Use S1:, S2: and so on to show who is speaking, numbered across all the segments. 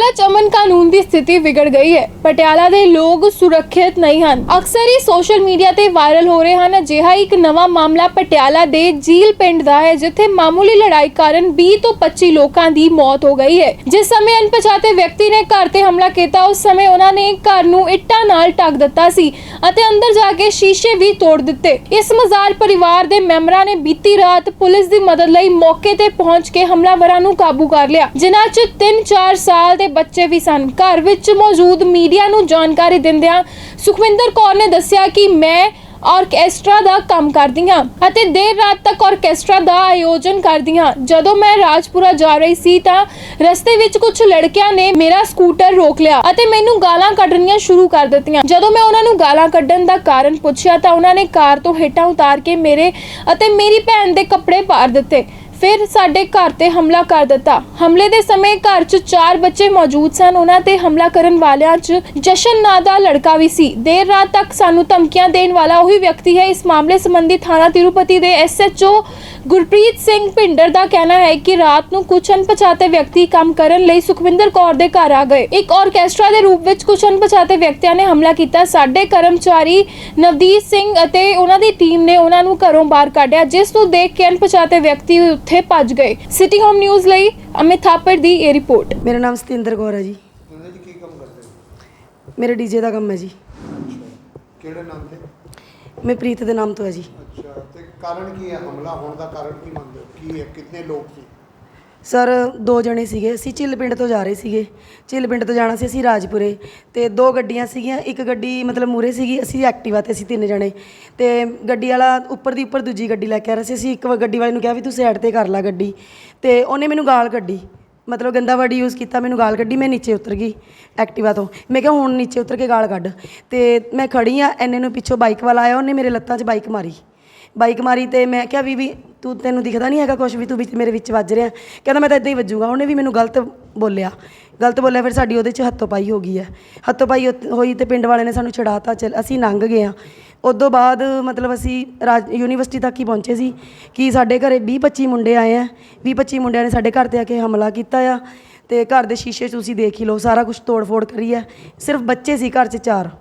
S1: च अमन कानून की स्थिति बिगड़ गई है। पटियाला दे लोग सुरक्षित नहीं हैं। अक्सर ही सोशल मीडिया ते वायरल हो रहे हैं। अजिहा एक नवा मामला पटियाला दे झील पिंड दा है, जिथे मामूली लड़ाई कारण 20 तो 25 लोगों की मौत हो गई है। जिस समय अनपछाते व्यक्ति ने घर ते हमला किया, उस समय उन्होंने घर नूं इट्टां नाल ढक दिता सी अते अंदर जाके शीशे भी तोड़ दिते। इस मजार परिवार दे मैंबरां ने बीती रात पुलिस की मदद लई मौके ते पहुंच के हमलावरां नूं काबू कर लिया, जिन्हां च 3-4 साल के बच्चे भी सन। घर विच मौजूद मीडिया नूं जानकारी दिंदियां सुखविंदर कौर ने दस्सिया कि मैं ऑर्केस्ट्रा दा काम करदी हां अते देर रात तक ऑर्केस्ट्रा दा आयोजन करदी हां। जदों मैं राजपुरा जा रही सी तां रस्ते विच कुछ लड़कियां ने मेरा स्कूटर रोक लिया अते मैनूं गालां कड्ढणीਆਂ शुरू कर दित्तियां। जदों मैं उन्हां नूं गालां कड्ढण दा कारण पुੱਛਿਆ तां उन्हां ने कार तो हेठां उतार के मेरे अते मेरी भैन दे कपड़े पाड़ दित्ते, फिर साडे घर ते हमला कर दिता। हमले दे समय घर च 4 बच्चे मौजूद सन। उन्हां ते हमला करन वालियां च जशन नां दा लड़का भी सी। देर रात तक सानू धमकियां देण वाला वही व्यक्ति है। इस मामले संबंधी थाना तिरुपति दे SHO गुरप्रीत सिंह भिंडर दा कहना है कि रात नूं कुछ अनपछाते व्यक्ति काम करन लई सुखविंदर कौर दे घर आ गए। एक ऑर्केस्ट्रा दे रूप विच कुछ अनपछाते व्यक्तियों ने हमला किया। साडे कर्मचारी नवदीप सिंह अते उन्हां दी टीम ने उन्हां नूं घरों बाहर कढिया, जिस नूं देख के अनपछाते व्यक्ति ਉੱਥੇ ਭੱਜ ਗਏ। ਸਿਟੀ ਹੋਮ ਨਿਊਜ਼ ਲਈ ਅਮਿਤ ਥਾਪੜ ਦੀ ਇਹ ਰਿਪੋਰਟ।
S2: ਮੇਰਾ ਨਾਮ ਸਤਿੰਦਰ ਕੌਰ ਹੈ ਜੀ।
S3: ਉਹਨਾਂ ਜੀ ਕੀ ਕੰਮ ਕਰਦੇ ਹੋ?
S2: ਮੇਰਾ ਡੀਜੇ ਦਾ ਕੰਮ ਹੈ ਜੀ।
S3: ਕਿਹੜੇ ਨਾਮ ਤੇ?
S2: ਮੈਂ ਪ੍ਰੀਤ ਦੇ ਨਾਮ ਤੋਂ ਹੈ ਜੀ।
S3: ਅੱਛਾ, ਤੇ ਕਾਰਨ ਕੀ ਹੈ ਹਮਲਾ ਹੋਣ ਦਾ? ਕਾਰਨ ਕੀ ਮੰਨਦੇ ਹੋ? ਕੀ ਹੈ, ਕਿੰਨੇ ਲੋਕ ਸੀ?
S2: ਸਰ 2 ਜਣੇ ਸੀਗੇ। ਅਸੀਂ ਝਿੱਲ ਪਿੰਡ ਤੋਂ ਜਾ ਰਹੇ ਸੀਗੇ। ਝਿੱਲ ਪਿੰਡ ਤੋਂ ਜਾਣਾ ਸੀ ਅਸੀਂ ਰਾਜਪੁਰੇ, ਤੇ 2 ਗੱਡੀਆਂ ਸੀਗੀਆਂ। ਇੱਕ ਗੱਡੀ ਮਤਲਬ ਮੂਰੇ ਸੀਗੀ, ਅਸੀਂ ਐਕਟਿਵਾ ਤੇ ਅਸੀਂ 3 ਜਣੇ, ਤੇ ਗੱਡੀ ਵਾਲਾ ਉੱਪਰ ਦੀ ਉੱਪਰ ਦੂਜੀ ਗੱਡੀ ਲੈ ਕੇ ਆ ਰਿਹਾ ਸੀ। ਅਸੀਂ ਇੱਕ ਗੱਡੀ ਵਾਲੇ ਨੂੰ ਕਿਹਾ ਵੀ ਤੂੰ ਸਾਈਡ ਤੇ ਕਰ ਲੈ ਗੱਡੀ, ਤੇ ਉਹਨੇ ਮੈਨੂੰ ਗਾਲ ਕੱਢੀ, ਮਤਲਬ ਗੰਦਾ ਵਰਡ ਯੂਜ਼ ਕੀਤਾ, ਮੈਨੂੰ ਗਾਲ ਕੱਢੀ। ਮੈਂ ਨੀਚੇ ਉਤਰ ਗਈ ਐਕਟਿਵਾ ਤੋਂ। ਮੈਂ ਕਿਹਾ ਹੁਣ ਨੀਚੇ ਉਤਰ ਕੇ ਗਾਲ ਕੱਢ, ਤੇ ਮੈਂ ਖੜੀ ਆ। ਇੰਨੇ ਨੂੰ ਪਿੱਛੋਂ ਬਾਈਕ ਵਾਲਾ ਆਇਆ, ਉਹਨੇ ਮੇਰੇ ਲੱਤਾਂ 'ਚ ਬਾਈਕ ਮਾਰੀ ਤੇ ਮੈਂ ਕਿਹਾ ਵੀ ਤੈਨੂੰ ਦਿਖਦਾ ਨਹੀਂ ਹੈਗਾ ਕੁਛ ਵੀ, ਤੂੰ ਵਿੱਚ ਮੇਰੇ ਵਿੱਚ ਵੱਜ ਰਿਹਾ। ਕਹਿੰਦਾ ਮੈਂ ਤਾਂ ਇੱਦਾਂ ਹੀ ਵੱਜੂਗਾ। ਉਹਨੇ ਵੀ ਮੈਨੂੰ ਗਲਤ ਬੋਲਿਆ। ਫਿਰ ਸਾਡੀ ਉਹਦੇ 'ਚ ਹੱਥੋਂ ਪਾਈ ਹੋ ਗਈ ਹੈ। ਹੱਥੋਂ ਪਾਈ ਹੋਈ ਤੇ ਪਿੰਡ ਵਾਲੇ ਨੇ ਸਾਨੂੰ ਛੁਡਾਤਾ। ਅਸੀਂ ਲੰਘ ਗਏ ਹਾਂ। ਉਦੋਂ ਬਾਅਦ ਮਤਲਬ ਅਸੀਂ ਯੂਨੀਵਰਸਿਟੀ ਤੱਕ ਹੀ ਪਹੁੰਚੇ ਸੀ ਕਿ ਸਾਡੇ ਘਰ 20-25 ਮੁੰਡੇ ਆਏ ਆ। 20-25 ਮੁੰਡਿਆਂ ਨੇ ਸਾਡੇ ਘਰ 'ਤੇ ਆ ਕੇ ਹਮਲਾ ਕੀਤਾ ਆ, ਤੇ ਘਰ ਦੇ ਸ਼ੀਸ਼ੇ ਤੁਸੀਂ ਦੇਖ ਹੀ ਲਓ, ਸਾਰਾ ਕੁਛ ਤੋੜ ਫੋੜ ਕਰੀ ਹੈ। ਸਿਰਫ ਬੱਚੇ ਸੀ ਘਰ 'ਚ 4।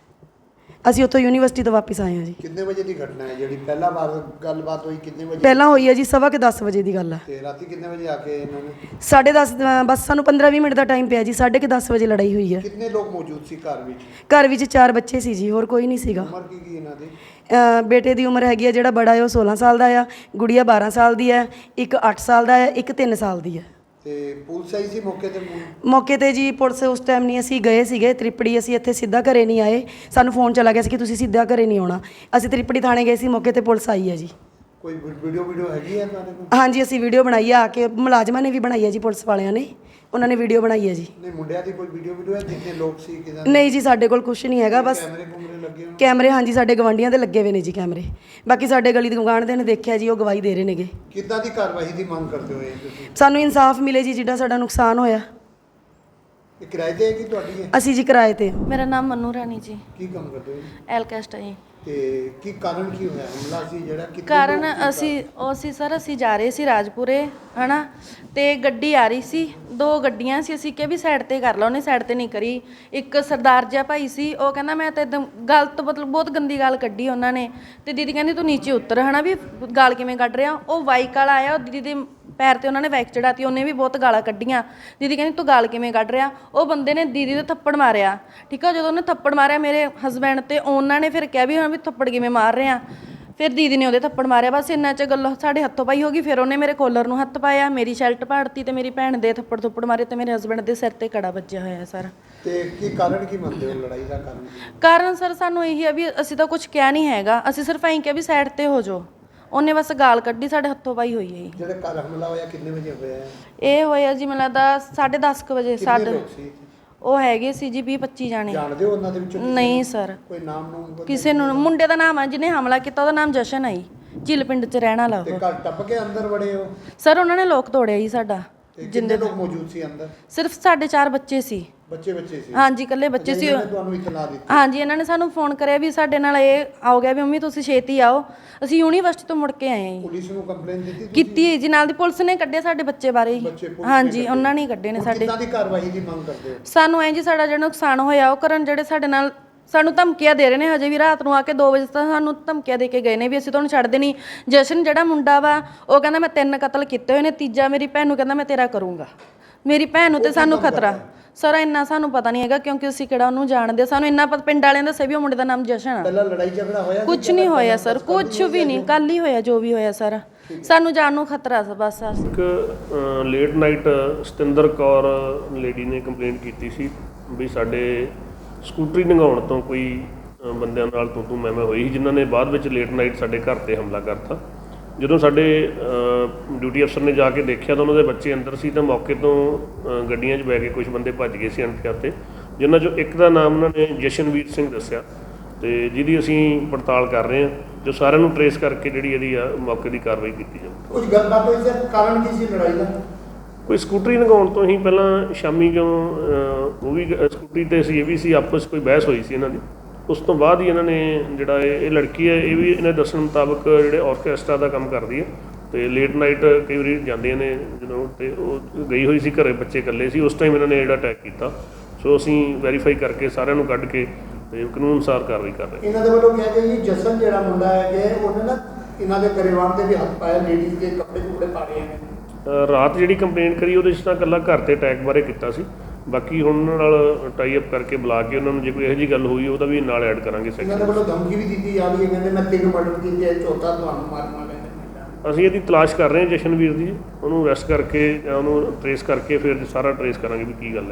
S2: ਅਸੀਂ ਉੱਥੋਂ ਯੂਨੀਵਰਸਿਟੀ ਤੋਂ ਵਾਪਸ ਆਏ ਹਾਂ ਜੀ।
S3: ਕਿੰਨੇ ਵਜੇ ਦੀ ਘਟਨਾ ਹੈ ਜਿਹੜੀ ਪਹਿਲਾ ਵਾਰ ਗੱਲਬਾਤ ਹੋਈ? ਕਿੰਨੇ ਵਜੇ
S2: ਪਹਿਲਾਂ ਹੋਈ ਹੈ ਜੀ 10:15 ਵਜੇ ਦੀ ਗੱਲ ਹੈ।
S3: ਤੇ ਰਾਤੀ ਕਿੰਨੇ ਵਜੇ ਆ ਕੇ ਇਹਨਾਂ ਨੇ?
S2: 10:30 ਬਸ ਸਾਨੂੰ 15-20 ਮਿੰਟ ਦਾ ਟਾਈਮ ਪਿਆ ਜੀ। 10:30 ਵਜੇ ਲੜਾਈ ਹੋਈ ਹੈ।
S3: ਕਿੰਨੇ ਲੋਕ ਮੌਜੂਦ ਸੀ ਘਰ ਵਿੱਚ?
S2: ਘਰ ਵਿੱਚ 4 ਬੱਚੇ ਸੀ ਜੀ, ਹੋਰ ਕੋਈ ਨਹੀਂ ਸੀਗਾ।
S3: ਉਮਰ ਕੀ ਇਹਨਾਂ ਦੀ?
S2: ਬੇਟੇ ਦੀ ਉਮਰ ਹੈਗੀ ਹੈ, ਜਿਹੜਾ ਬੜਾ ਹੈ ਉਹ 16 ਸਾਲ ਦਾ ਆ, ਗੁੜੀਆ 12 ਸਾਲ ਦੀ ਹੈ, ਇੱਕ 8 ਸਾਲ ਦਾ ਹੈ, ਇੱਕ 3 ਸਾਲ ਦੀ ਹੈ।
S3: ਤੇ ਪੁਲਿਸ ਆਈ ਸੀ ਮੌਕੇ ਤੇ?
S2: ਮੌਕੇ ਤੇ ਜੀ ਪੁਲਿਸ ਉਸ ਟਾਈਮ ਨਹੀਂ, ਅਸੀਂ ਗਏ ਸੀਗੇ ਤ੍ਰਿਪੜੀ। ਅਸੀਂ ਇੱਥੇ ਸਿੱਧਾ ਘਰੇ ਨਹੀਂ ਆਏ, ਸਾਨੂੰ ਫੋਨ ਚਲਾ ਗਿਆ ਸੀ ਕਿ ਤੁਸੀਂ ਸਿੱਧਾ ਘਰੇ ਨਹੀਂ ਆਉਣਾ। ਅਸੀਂ ਤ੍ਰਿਪੜੀ ਥਾਣੇ ਗਏ ਸੀ, ਮੌਕੇ ਤੇ ਪੁਲਿਸ ਆਈ ਹੈ ਜੀ।
S3: ਕੋਈ ਵੀਡੀਓ ਹੈਗੀ ਹੈ ਤੁਹਾਡੇ ਕੋਲ?
S2: ਹਾਂਜੀ, ਅਸੀਂ ਵੀਡੀਓ ਬਣਾਈ ਆ ਕੇ, ਮੁਲਾਜ਼ਮਾਂ ਨੇ ਵੀ ਬਣਾਈ ਹੈ ਜੀ, ਪੁਲਿਸ ਵਾਲਿਆਂ ਨੇ, ਉਹਨਾਂ ਨੇ ਵੀਡੀਓ ਬਣਾਈ ਹੈ ਜੀ।
S3: ਨਹੀਂ, ਮੁੰਡਿਆਂ ਦੀ ਕੋਈ ਵੀਡੀਓ ਹੈ? ਜਿੰਨੇ ਲੋਕ ਸੀ ਕਿਦਾਂ?
S2: ਨਹੀਂ ਜੀ, ਸਾਡੇ ਕੋਲ ਕੁਝ ਨਹੀਂ ਹੈਗਾ। ਬਸ ਕੈਮਰੇ ਹਾਂਜੀ ਸਾਡੇ ਗਵਾਂਢੀਆਂ ਦੇ ਲੱਗੇ ਹੋਏ ਨੇ ਜੀ ਕੈਮਰੇ। ਬਾਕੀ ਸਾਡੇ ਗਲੀ ਦੇ ਗੁਆਂਢ ਦੇ ਨੇ ਦੇਖਿਆ ਜੀ, ਉਹ ਗਵਾਹੀ ਦੇ ਰਹੇ ਨੇਗੇ।
S3: ਕਿੱਦਾਂ ਦੀ ਕਾਰਵਾਈ ਦੀ ਮੰਗ ਕਰਦੇ ਹੋ ਤੁਸੀਂ?
S2: ਸਾਨੂੰ ਇਨਸਾਫ ਮਿਲੇ ਜੀ, ਜਿਹੜਾ ਸਾਡਾ ਨੁਕਸਾਨ ਹੋਇਆ।
S3: ਇਹ ਕਿਰਾਏ ਤੇ ਹੈ ਕਿ ਤੁਹਾਡੀ ਹੈ?
S2: ਅਸੀਂ ਜੀ ਕਿਰਾਏ ਤੇ।
S4: ਮੇਰਾ ਨਾਮ ਮਨੂ ਰਾਣੀ ਜੀ।
S3: ਕੀ ਕੰਮ ਕਰਦੇ ਹੋ?
S4: ਐਲਕੈਸਟ ਜੀ।
S3: ਤੇ ਕੀ ਕਾਰਨ ਕੀ ਹੋਇਆ ਹਮਲਾ ਸੀ ਜਿਹੜਾ?
S4: ਕਾਰਨ ਅਸੀਂ ਸਰ ਅਸੀਂ ਜਾ ਰਹੇ ਸੀ ਰਾਜਪੁਰੇ ਹੈ ਨਾ, ਤੇ ਗੱਡੀ ਆ ਰਹੀ ਸੀ, 2 ਗੱਡੀਆਂ ਸੀ। ਅਸੀਂ ਕਿਹਾ ਵੀ ਸਾਈਡ ਤੇ ਕਰ ਲਾ, ਉਹਨੇ ਸਾਈਡ ਤੇ ਨਹੀਂ ਕਰੀ। ਇੱਕ ਸਰਦਾਰ ਜਿਹਾ ਭਾਈ ਸੀ, ਉਹ ਕਹਿੰਦਾ ਮੈਂ ਤਾਂ ਇੱਕਦਮ ਗਲਤ ਮਤਲਬ ਬਹੁਤ ਗੰਦੀ ਗਾਲ ਕੱਢੀ ਉਹਨਾਂ ਨੇ। ਤੇ ਦੀਦੀ ਕਹਿੰਦੀ ਤੂੰ ਨੀਚੇ ਉਤਰ ਹੈ ਨਾ, ਵੀ ਗਾਲ ਕਿਵੇਂ ਕੱਢ ਰਿਹਾ। ਉਹ ਬਾਈਕ ਵਾਲਾ ਆਇਆ, ਉਹ ਦੀਦੀ ਦੇ ਪੈਰ ਤੇ ਉਹਨਾਂ ਨੇ ਬਾਈਕ ਚੜਾਤੀ, ਉਹਨੇ ਵੀ ਬਹੁਤ ਗਾਲਾਂ ਕੱਢੀਆਂ। ਦੀਦੀ ਕਹਿੰਦੀ ਤੂੰ ਗਾਲ ਕਿਵੇਂ ਕੱਢ ਰਿਹਾ। ਉਹ ਬੰਦੇ ਨੇ ਦੀਦੀ ਦੇ ਥੱਪੜ ਮਾਰਿਆ, ਠੀਕ ਆ। ਜਦੋਂ ਉਹਨੇ ਥੱਪੜ ਮਾਰਿਆ ਮੇਰੇ ਹਸਬੈਂਡ ਤੇ, ਉਹਨਾਂ ਨੇ ਫਿਰ ਕਿਹਾ ਵੀ ਹਾਂ ਵੀ ਥੱਪੜ ਕਿਵੇਂ ਮਾਰ ਰਹੇ ਆ। ਫਿਰ ਦੀਦੀ ਨੇ ਉਹਦੇ ਥੱਪੜ ਮਾਰਿਆ। ਬਸ ਇੰਨਾ 'ਚ ਗੱਲ ਸਾਡੇ ਹੱਥੋਂ ਪਾਈ ਹੋ ਗਈ। ਫਿਰ ਉਹਨੇ ਮੇਰੇ ਕੋਲਰ ਨੂੰ ਹੱਥ ਪਾਇਆ, ਮੇਰੀ ਸ਼ਰਟ ਪਾੜਤੀ, ਤੇ ਮੇਰੀ ਭੈਣ ਦੇ ਥੱਪੜ ਮਾਰੇ, ਤੇ ਮੇਰੇ ਹਸਬੈਂਡ ਦੇ ਸਿਰ ਤੇ ਕੜਾ ਵੱਜਿਆ ਹੋਇਆ ਸਰ।
S3: ਤੇ ਕੀ ਕਾਰਨ ਕੀ ਮੰਨਦੇ ਹੋ ਲੜਾਈ ਦਾ?
S4: ਕਾਰਨ ਸਰ ਸਾਨੂੰ ਇਹੀ ਆ ਵੀ ਅਸੀਂ ਤਾਂ ਕੁਝ ਕਿਹਾ ਨਹੀਂ ਹੈਗਾ, ਅਸੀਂ ਸਿਰਫ ਐਂ ਕਿਹਾ ਵੀ ਸਾਈਡ ਤੇ ਹੋ ਜਾਓ। ਉਹਨੇ ਬਸ ਗਾਲ ਕੱਢੀ, ਸਾਡੇ ਹੱਥੋਂ ਪਾਈ ਹੋਈ ਹੈ।
S3: ਜਿਹੜਾ ਘਰ ਹਮਲਾ ਹੋਇਆ ਕਿੰਨੇ ਵਜੇ ਹੋਇਆ?
S4: ਇਹ ਹੋਇਆ ਜੀ ਮੈਨੂੰ ਲੱਗਦਾ 10:30 ਵਜੇ।
S3: ਸਾਡੇ
S4: ਉਹ ਹੈਗੇ ਸੀ ਜੀ 20-25 ਜਾਣੇ।
S3: ਜਾਣਦੇ ਹੋ ਉਹਨਾਂ ਦੇ ਵਿੱਚੋਂ?
S4: ਨਹੀਂ ਸਰ।
S3: ਕੋਈ ਨਾਮ ਨੂੰ?
S4: ਕਿਸੇ ਨੂੰ। ਮੁੰਡੇ ਦਾ ਨਾਮ ਹੈ ਜਿਹਨੇ ਹਮਲਾ ਕੀਤਾ, ਉਹਦਾ ਨਾਮ ਜਸ਼ਨ ਹੈ, ਝਿੱਲ ਪਿੰਡ 'ਚ ਰਹਿਣ ਵਾਲਾ।
S3: ਤੇ ਘਰ ਟੱਪ ਕੇ ਅੰਦਰ ਵੜੇ ਹੋ?
S4: ਸਰ ਉਹਨਾਂ ਨੇ ਲੋਕ ਤੋੜਿਆ ਜੀ ਸਾਡਾ।
S3: ਜਿੰਨੇ ਲੋਕ ਮੌਜੂਦ ਸੀ ਅੰਦਰ?
S4: ਸਿਰਫ ਸਾਡੇ 4 ਬੱਚੇ ਸੀ।
S3: ਬੱਚੇ ਸੀ
S4: ਹਾਂਜੀ ਇਕੱਲੇ ਬੱਚੇ ਸੀ।
S3: ਇਹਨਾਂ ਨੇ ਤੁਹਾਨੂੰ ਇਤਲਾਹ ਦਿੱਤੀ?
S4: ਹਾਂਜੀ ਇਹਨਾਂ ਨੇ ਸਾਨੂੰ ਫੋਨ ਕਰਿਆ ਵੀ ਸਾਡੇ ਨਾਲ ਇਹ ਆ ਗਿਆ ਵੀ ਮੰਮੀ ਤੁਸੀਂ ਛੇਤੀ ਆਓ। ਅਸੀਂ ਯੂਨੀਵਰਸਿਟੀ ਤੋਂ ਮੁੜ ਕੇ ਆਏ ਹਾਂ ਜੀ।
S3: ਪੁਲਿਸ ਨੂੰ ਕੰਪਲੇਨ ਦਿੱਤੀ?
S4: ਕੀਤੀ ਹੈ ਜੀ, ਨਾਲ ਦੀ ਪੁਲਿਸ ਨੇ ਕੱਢੇ ਸਾਡੇ ਬੱਚੇ ਬਾਰੇ ਹੀ। ਹਾਂਜੀ ਉਹਨਾਂ ਨੇ ਕੱਢੇ ਨੇ ਸਾਡੇ।
S3: ਕਿੱਦਾਂ ਦੀ ਕਾਰਵਾਈ ਦੀ ਮੰਗ ਕਰਦੇ ਹੋ?
S4: ਸਾਨੂੰ ਐਂ ਜੀ ਸਾਡਾ ਜਿਹੜਾ ਨੁਕਸਾਨ ਹੋਇਆ ਉਹ ਕਰਨ, ਜਿਹੜੇ ਸਾਡੇ ਨਾਲ ਸਾਨੂੰ ਧਮਕੀਆਂ ਦੇ ਰਹੇ ਨੇ। ਹਜੇ ਵੀ ਰਾਤ ਨੂੰ ਆ ਕੇ 2 ਵਜੇ ਤੱਕ ਸਾਨੂੰ ਧਮਕੀਆਂ ਦੇ ਕੇ ਗਏ ਨੇ ਵੀ ਅਸੀਂ ਤੁਹਾਨੂੰ ਛੱਡਦੇ ਨਹੀਂ। ਜਸ਼ਨ ਜਿਹੜਾ ਮੁੰਡਾ ਵਾ ਉਹ ਕਹਿੰਦਾ ਮੈਂ 3 ਕਤਲ ਕੀਤੇ ਹੋਏ ਨੇ, ਤੀਜਾ ਮੇਰੀ ਭੈਣ ਨੂੰ ਕਹਿੰਦਾ ਮੈਂ ਤੇਰਾ ਕਰੂੰਗਾ। ਮੇਰੀ ਭੈਣ ਨੂੰ ਤੇ ਸਾਨੂੰ ਖਤਰਾ ਸਰ ਇੰਨਾ ਸਾਨੂੰ ਪਤਾ ਨਹੀਂ ਹੈਗਾ ਕਿਉਂਕਿ ਅਸੀਂ ਕਿਹੜਾ ਉਹਨੂੰ ਜਾਣਦੇ। ਸਾਨੂੰ ਇੰਨਾ ਪਤਾ ਪਿੰਡ ਵਾਲਿਆਂ ਦਾ ਦੱਸਿਆ ਵੀ ਉਹ ਮੁੰਡੇ ਦਾ ਨਾਮ ਜਸ਼ਨ ਆ।
S3: ਪਹਿਲਾਂ ਲੜਾਈ ਝਗੜਾ ਹੋਇਆ?
S4: ਕੁਝ ਨਹੀਂ ਹੋਇਆ ਸਰ, ਕੁਝ ਵੀ ਨਹੀਂ, ਕੱਲ ਹੀ ਹੋਇਆ ਜੋ ਵੀ ਹੋਇਆ ਸਰ। ਸਾਨੂੰ ਜਾਣ ਨੂੰ ਖਤਰਾ ਸੀ ਬਸ।
S5: ਇੱਕ late night Satinder Kaur lady ਨੇ ਕੰਪਲੇਂਟ ਕੀਤੀ ਸੀ ਵੀ ਸਾਡੇ ਸਕੂਟਰੀ ਲੰਘਾਉਣ ਤੋਂ ਕੋਈ ਬੰਦਿਆਂ ਨਾਲ ਤੂੰ ਮੈਂ ਹੋਈ ਸੀ, ਜਿਨ੍ਹਾਂ ਨੇ ਬਾਅਦ ਵਿੱਚ ਲੇਟ ਨਾਈਟ ਸਾਡੇ ਘਰ 'ਤੇ ਹਮਲਾ ਕਰਤਾ। ਜਦੋਂ ਸਾਡੇ ਡਿਊਟੀ ਅਫਸਰ ਨੇ ਜਾ ਕੇ ਦੇਖਿਆ ਤਾਂ ਉਹਨਾਂ ਦੇ ਬੱਚੇ ਅੰਦਰ ਸੀ, ਤਾਂ ਮੌਕੇ ਤੋਂ ਗੱਡੀਆਂ 'ਚ ਬੈ ਕੇ ਕੁਝ ਬੰਦੇ ਭੱਜ ਗਏ ਸੀ ਅਣਪਛਾਤੇ, ਜਿਨ੍ਹਾਂ 'ਚੋਂ ਇੱਕ ਦਾ ਨਾਮ ਉਹਨਾਂ ਨੇ ਜਸ਼ਨਵੀਰ ਸਿੰਘ ਦੱਸਿਆ, ਤੇ ਜਿਹਦੀ ਅਸੀਂ ਪੜਤਾਲ ਕਰ ਰਹੇ ਹਾਂ, ਜੋ ਸਾਰਿਆਂ ਨੂੰ ਟਰੇਸ ਕਰਕੇ ਜਿਹੜੀ ਇਹਦੀ ਆ ਮੌਕੇ ਦੀ ਕਾਰਵਾਈ ਕੀਤੀ ਜਾਵੇ।
S3: ਕੁਝ ਗੱਲਬਾਤ ਹੋਈ ਸਰ? ਕਾਰਨ ਕੀ ਸੀ ਲੜਾਈ ਦਾ?
S5: ਕੋਈ ਸਕੂਟਰੀ ਲੰਘਾਉਣ ਤੋਂ ਹੀ ਪਹਿਲਾਂ ਸ਼ਾਮੀ ਜਦੋਂ ਉਹ ਵੀ ਸਕੂਟਰੀ 'ਤੇ ਸੀ, ਇਹ ਵੀ ਸੀ, ਆਪਸ 'ਚ ਕੋਈ ਬਹਿਸ ਹੋਈ ਸੀ ਇਹਨਾਂ ਦੀ। ਉਸ ਤੋਂ ਬਾਅਦ ਹੀ ਇਹਨਾਂ ਨੇ ਜਿਹੜਾ ਇਹ ਲੜਕੀ ਹੈ, ਇਹ ਵੀ ਇਹਨਾਂ ਦੱਸਣ ਮੁਤਾਬਕ ਜਿਹੜੇ ਆਰਕੈਸਟਰਾ ਦਾ ਕੰਮ ਕਰਦੀ ਹੈ, ਤੇ ਲੇਟ ਨਾਈਟ ਕਈ ਵਾਰੀ ਜਾਂਦੀਆਂ ਨੇ ਜਦੋਂ, ਤੇ ਉਹ ਗਈ ਹੋਈ ਸੀ ਘਰੇ, ਬੱਚੇ ਇਕੱਲੇ ਸੀ ਉਸ ਟਾਈਮ ਇਹਨਾਂ ਨੇ ਜਿਹੜਾ ਅਟੈਕ ਕੀਤਾ। ਸੋ ਅਸੀਂ ਵੈਰੀਫਾਈ ਕਰਕੇ ਸਾਰਿਆਂ ਨੂੰ ਕੱਢ ਕੇ ਤੇ ਕਾਨੂੰਨ ਅਨੁਸਾਰ ਕਾਰਵਾਈ ਕਰ ਰਹੇ।
S3: ਇਹਨਾਂ ਦੇ ਵੱਲੋਂ ਕਿਹਾ ਗਿਆ ਜੀ ਜਸਨ ਜਿਹੜਾ ਮੁੰਡਾ ਹੈ ਕਿ ਉਹਨੇ ਨਾ ਇਹਨਾਂ ਦੇ ਗਰੇਵਾਨ ਤੇ ਵੀ ਹੱਥ ਪਾਇਆ, ਲੇਡੀਜ਼ ਦੇ ਕੱਪੜੇ ਕੁਪੜੇ ਪਾੜੇ ਨੇ।
S5: ਰਾਤ ਜਿਹੜੀ ਕੰਪਲੇਂਟ ਕਰੀ ਉਹਦੇ 'ਚ ਤਾਂ ਇਕੱਲਾ ਘਰ 'ਤੇ ਅਟੈਕ ਬਾਰੇ ਕੀਤਾ ਸੀ, ਬਾਕੀ ਹੁਣ ਉਹਨਾਂ ਨਾਲ ਟਾਈ ਅਪ ਕਰਕੇ ਬੁਲਾ ਕੇ ਉਹਨਾਂ ਨੂੰ ਜੇ ਕੋਈ ਇਹੋ ਜਿਹੀ ਗੱਲ ਹੋਈ ਉਹਦਾ ਵੀ ਨਾਲ ਐਡ ਕਰਾਂਗੇ
S3: ਇਹਨਾਂ ਦੇ
S5: ਸੈਕਸ਼ਨ।
S3: ਵੱਲੋਂ ਧਮਕੀ ਵੀ ਦਿੱਤੀ ਜਾ ਰਹੀ ਹੈ, ਕਹਿੰਦੇ ਮੈਂ 3 ਮਰਡਰ ਕੀਤੇ, ਚੌਥਾ ਤੁਹਾਨੂੰ ਮਾਰਨਾ ਲੈਂਦਾ।
S5: ਅਸੀਂ ਇਹਦੀ ਤਲਾਸ਼ ਕਰ ਰਹੇ ਹਾਂ ਜਸ਼ਨਵੀਰ ਦੀ, ਉਹਨੂੰ ਅਰੈਸਟ ਕਰਕੇ ਜਾਂ ਉਹਨੂੰ ਟਰੇਸ ਕਰਕੇ ਫਿਰ ਸਾਰਾ ਟਰੇਸ ਕਰਾਂਗੇ ਵੀ ਕੀ ਗੱਲ ਹੈ।